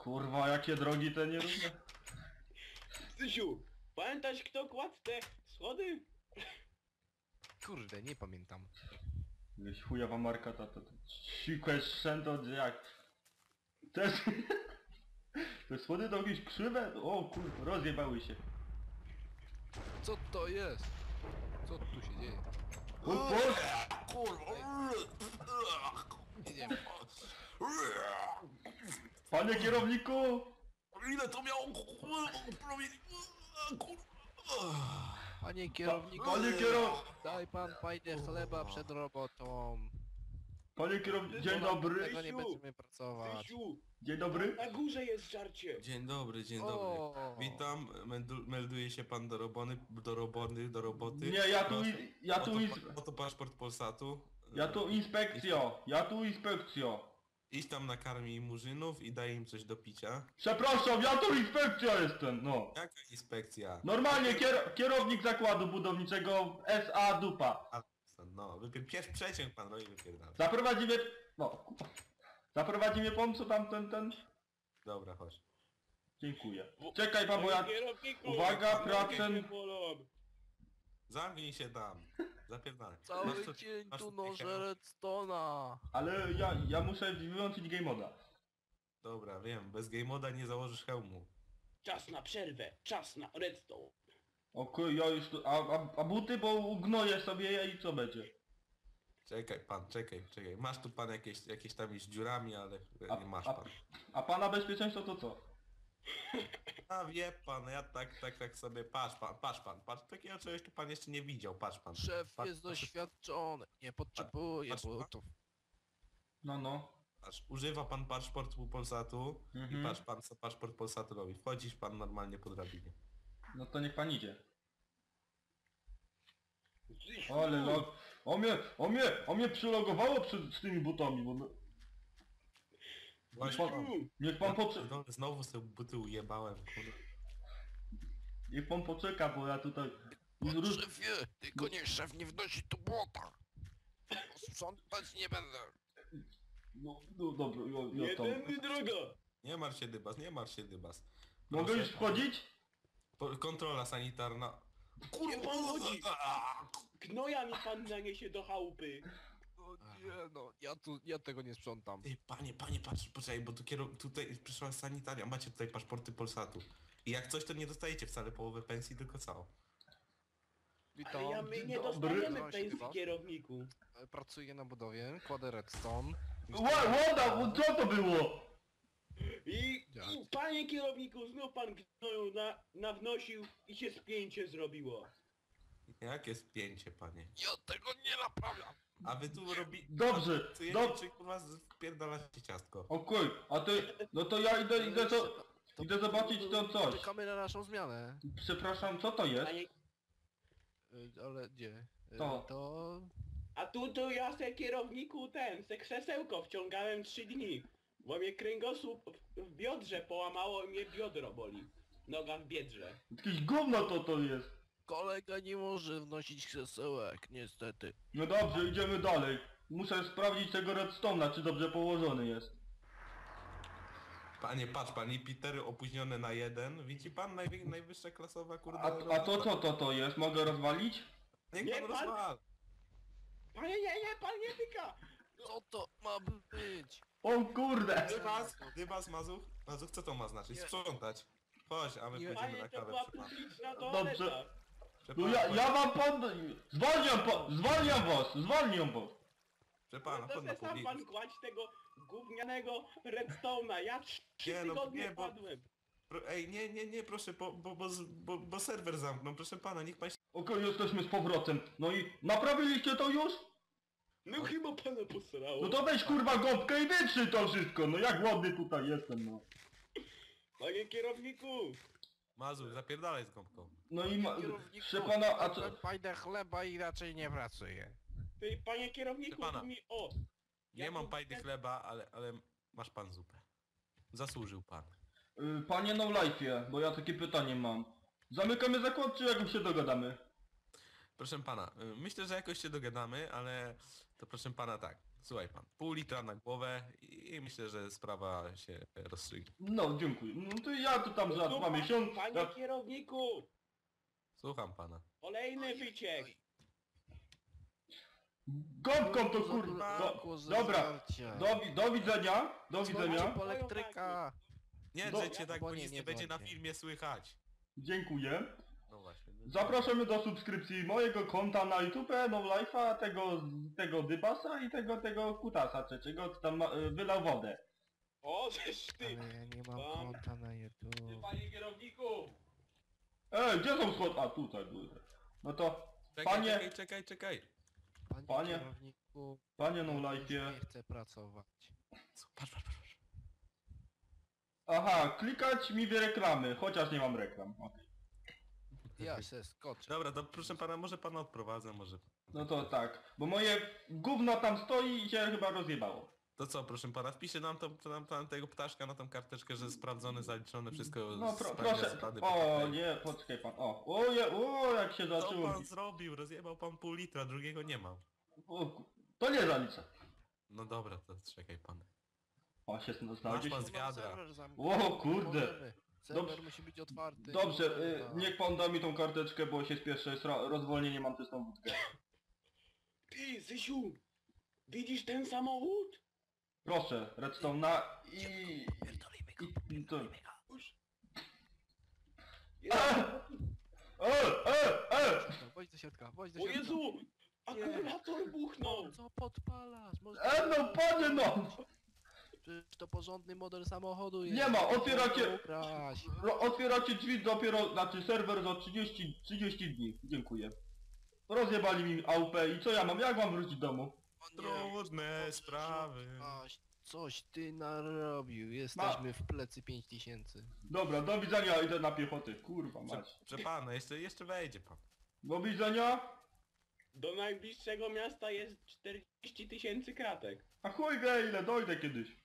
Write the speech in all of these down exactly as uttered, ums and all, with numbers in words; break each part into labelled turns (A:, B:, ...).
A: Kurwa, jakie drogi te nierówne.
B: Zysiu, pamiętasz kto kładł te schody?
C: Kurde, nie pamiętam.
A: Jakaś chujowa marka ta, to, to sikłe szczęto, jak... Też... Te schody to jakieś krzywe? O kurwa, rozjebały się.
C: Co to jest? Co tu się dzieje?
A: O Boże!
D: Kurwa!
C: Nie wiem.
A: Panie kierowniku!
D: Ile to miało promieni? Kurwa!
C: Panie kierowniku,
A: Panie kierow...
C: daj pan fajnie chleba przed robotą.
A: Panie kierowniku, dzień dobry.
C: Tego nie będziemy pracować.
B: Zysiu,
A: Dzień dobry.
B: na górze jest żarcie.
D: Dzień dobry, dzień
C: O.
D: dobry. Witam, meldu- melduje się pan do robony, do roboty, do roboty.
A: Nie, ja tu...
D: Proszę.
A: i- Ja tu...
D: Oto,
A: ins-
D: pa- oto paszport Polsatu.
A: Ja tu inspekcjo. Ja tu inspekcjo.
D: Idź tam nakarmij murzynów i daj im coś do picia.
A: Przepraszam, ja tu inspekcja jestem, no.
D: Jaka inspekcja?
A: Normalnie kier kierownik zakładu budowniczego S A Dupa.
D: A, no, wypier- pierwszy przeciąg pan robi wypierdala.
A: Zaprowadzi mnie... No. Zaprowadzi mnie pan, co tam ten, ten...
D: Dobra, chodź.
A: Dziękuję. Czekaj pan, bo ja...
B: Panie kierowniku,
A: Uwaga,
B: nogi
A: procent-
B: mnie bolą.
D: Zamknij się tam. Zapierdalaj.
C: Cały
D: Masz tu-
C: dzień
D: masz
C: tu
D: tutaj
C: nożę
D: hełm?
C: redstone'a.
A: Ale ja, ja muszę wyłączyć game moda.
D: Dobra, wiem, bez game moda nie założysz hełmu.
B: Czas na przerwę, czas na redstone.
A: Okej, ja już tu... A, a, a buty, bo ugnoję sobie je i co będzie?
D: Czekaj pan, czekaj, czekaj. Masz tu pan jakieś, jakieś tam z dziurami, ale
A: A,
D: nie masz
A: a,
D: pan.
A: a pana bezpieczeństwo to co?
D: A wie pan, ja tak, tak, tak sobie, patrz pan, patrz pan, patrz, takiego czegoś tu pan jeszcze nie widział, patrz pan.
C: Szef
D: patrz,
C: jest
D: patrz,
C: doświadczony. Nie potrzebuje
D: Patrz, patrz.
C: butów.
A: No, no.
D: patrz, używa pan paszportu Polsatu
A: Mhm.
D: i patrz pan, co paszport Polsatu robi. Wchodzisz pan normalnie po drabinie.
A: No to niech pan idzie.
B: Zysiu,
A: Ale log... O mnie, o mnie, o mnie przylogowało przed, z tymi butami, bo... no- Niech pan,
B: Zysiu,
A: niech pan poczeka,
D: No, znowu sobie buty ujebałem, kurde.
A: niech pan poczeka, bo ja tutaj... Róż...
C: Szefie, tylko nie szef nie wnosi tu błota. Sprzątać nie będę.
A: No, no dobra, ja,
B: nie
A: ja tam...
B: tędy droga.
D: Nie martw się dybas, nie martw się dybas.
A: Mogę
D: Proszę
A: już
D: pana.
A: wchodzić?
D: Po- Kontrola sanitarna.
B: Nie pan chodzi. Gnoja mi pan naniesie do chałupy.
C: No nie no, ja tu, ja tego nie sprzątam.
D: Ty, panie, panie, patrz, poczekaj, bo tu kierow... tutaj przyszła sanitaria, macie tutaj paszporty Polsatu. I jak coś, to nie dostajecie wcale połowy pensji, tylko całą.
C: Witam.
B: Ale ja my nie
A: Dobry.
B: dostajemy
C: Nazywam się
B: pensji
C: Dybas.
B: kierowniku.
C: Pracuję na budowie, kładę redstone.
A: Ła, łoda, co to było?
B: I,
C: Jak?
B: i panie kierowniku, znów pan gnoju na, nawnosił i się spięcie zrobiło.
D: Jakie spięcie, panie.
C: Ja tego nie naprawiam.
D: A wy tu robi...
A: Dobrze,
D: Co
A: dob...
D: czy kurwa wpierdalacie ciastko?
A: Okej, a ty... No to ja idę, idę to... Idę zobaczyć to coś.
C: Czekamy na naszą zmianę.
A: Przepraszam, co to jest?
B: Panie,
C: Y, Ale gdzie? Y,
A: To.
C: To...
B: a tu to ja se kierowniku ten, se krzesełko wciągałem trzy dni. Bo mnie kręgosłup w, w biodrze połamało i mnie biodro boli. Noga w biedrze.
A: Jakieś gówno to to jest.
C: Kolega nie może wnosić krzesełek, niestety.
A: No dobrze, idziemy dalej. Muszę sprawdzić tego redstone'a, czy dobrze położony jest.
D: Panie, patrz pan, i Petery opóźnione na jeden. Widzi pan najwy... najwyższa klasowa kurde...
A: A, a to co to to jest? Mogę rozwalić?
D: Niech
B: Nie,
D: pan
B: pan-
D: rozwal.
B: Panie, nie, nie, pan nie tyka!
C: Co to ma być?
A: O kurde!
D: Dybas, dybas, mazuch. Mazuch, co to ma znaczyć?
C: Nie.
D: Sprzątać. Chodź, a my
C: Nie.
D: pójdziemy
B: Panie,
D: na
B: to
D: kawę.
B: była
D: Proszę pana.
B: publiczna toaleta.
A: Dobrze.
D: Proszę
A: No
D: pana,
A: ja, ja wam pan... Zwalniam po... Zwalniam was! Zwalniam was!
D: Proszę pana,
B: To
D: chodź na
B: se sam
D: publik.
B: pan kładź tego gównianego redstone'a. Ja trzy
D: Nie, no,
B: tygodnie
D: nie, bo-
B: padłem.
D: Pro- Ej, nie, nie, nie, proszę, bo, bo, bo, z- bo, bo serwer zamknął. Proszę pana, niech pan się...
A: Okej, jesteśmy z powrotem. No i naprawiliście to już?
B: No chyba pana posrało.
A: No to weź kurwa gąbkę i wytrzyj to wszystko. No jak ładny tutaj jestem, no.
B: Panie kierowniku!
D: Mazuch, zapierdalaj z gąbką.
A: No i ma...
C: Kierowniku,
A: Proszę pana, a co...
C: mam fajne chleba i raczej nie pracuję.
B: Ty, panie kierowniku,
D: Proszę pana.
B: tu mi... O!
D: Nie
B: Ja
D: mam
B: tu-
D: pajdy chleba, ale, ale masz pan zupę. Zasłużył pan.
A: Y, Panie No Life'ie, bo ja takie pytanie mam. Zamykamy zakład, czy jak się dogadamy?
D: Proszę pana, y, myślę, że jakoś się dogadamy, ale to proszę pana tak. Słuchaj pan, pół litra na głowę i myślę, że sprawa się rozstrzygnie.
A: No, dziękuję. No to ja tu tam za
B: No,
A: dwa
B: pa-
A: miesiące...
B: Panie
A: Ja...
B: kierowniku!
D: Słucham pana.
B: Kolejny wyciek!
A: Gąbką to kurwa! Do, dobra, do, wi- do widzenia, do widzenia.
E: po elektryka.
D: Nie
A: Do-
D: drzecie tak,
E: bo
D: bo
E: nie,
D: nic
E: nie
D: nie będzie na
E: dzwońcie.
D: filmie słychać.
A: Dziękuję.
D: No właśnie. no-
A: Zapraszamy do subskrypcji mojego konta na YouTube, No Life'a, tego, tego Dybasa i tego, tego Kutasa trzeciego, co tam ma- wylał wodę.
B: O, żeż ty!
E: Ale ja nie mam
B: Pan-
E: konta na YouTube.
B: Panie kierowniku!
A: Ej, gdzie są schody? A, tutaj były. No to,
D: Czekaj,
A: panie,
D: czekaj, czekaj, czekaj.
E: Panie,
A: Panie-
E: kierowniku,
A: panie No
E: ja już
A: Life'ie.
E: nie chcę pracować.
D: Co? Patrz, patrz, patrz.
A: Aha, klikać mi w reklamy, chociaż nie mam reklam. Okej.
E: Ja se skoczę.
D: Dobra, to proszę pana, może pana odprowadzę, może...
A: No to tak, bo moje gówno tam stoi i się chyba rozjebało.
D: To co, proszę pana, wpisze nam, to, to nam pan tego ptaszka na tą karteczkę, że sprawdzone, zaliczone, wszystko
A: No pro,
D: spełnia
A: proszę,
D: zasady
A: o
D: P K P.
A: nie, poczekaj pan, o, o, je, o jak się
D: Co
A: zaczęło.
D: pan zrobił? Rozjebał pan pół litra, drugiego nie mam.
A: O, ku- to nie zaliczę.
D: No dobra, to czekaj pan.
A: O, się znajdzie
D: pan
A: się.
D: z wiadra.
E: Serwer zamknięty,
A: O, kurde.
E: możemy. Serwer
A: Dobrze.
E: musi być otwarty.
A: Dobrze,
E: możemy,
A: y,
E: tak.
A: niech pan da mi tą karteczkę, bo się spieszę, jest ro- rozwolnienie, mam czystą wódkę.
B: Ty, Zysiu! Widzisz ten samochód?
A: Proszę, redstone na i...
E: Pierdolimy go,
A: i, i to...
B: Już.
A: E, e, e!
E: No, Chodź do środka, chodź do
B: O
E: środka.
B: Jezu! Akumulator buchnął!
E: Co podpalasz? Może
A: E, no panie no!
E: Przecież to porządny model samochodu jest.
A: Nie ma, otwieracie-
E: Można ukraść.
A: Ro- Otwieracie drzwi dopiero, znaczy serwer za trzydzieści, trzydzieści dni. Dziękuję. Rozjebali mi A W P i co ja mam? Jak mam wrócić do domu?
E: O nie,
D: Trudne
E: Boże,
D: sprawy.
E: Coś, coś ty narobił. Jesteśmy w plecy pięć tysięcy.
A: Dobra, do widzenia, idę na piechotę. Kurwa
D: Prze,
A: mać.
D: prze pana, jeszcze, jeszcze wejdzie pan.
A: Do widzenia.
B: Do najbliższego miasta jest czterdzieści tysięcy kratek.
A: A chuj wie ile, dojdę kiedyś.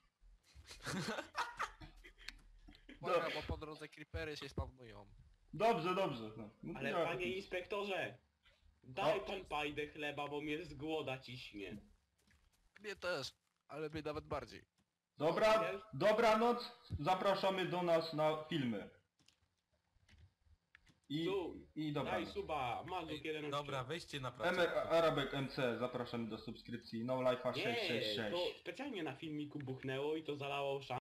E: Uwaga, bo po drodze creepery się spawnują.
A: Dobrze, dobrze. No, no to
B: Ale
A: ja-
B: panie inspektorze! Daj
A: O.
B: pan pajdę chleba, bo mnie z głoda ciśnie.
E: Mnie też, ale mnie nawet bardziej.
A: Dobra, dobranoc. Zapraszamy do nas na filmy. I,
B: Su,
A: i
B: daj
A: dobranoc.
B: suba, Mazuk jeden
D: Dobra, weźcie na
A: M
D: pracę.
A: Arabek M C, zapraszamy do subskrypcji. No Life'a
B: Nie,
A: sześć sześć sześć.
B: to specjalnie na filmiku buchnęło i to zalało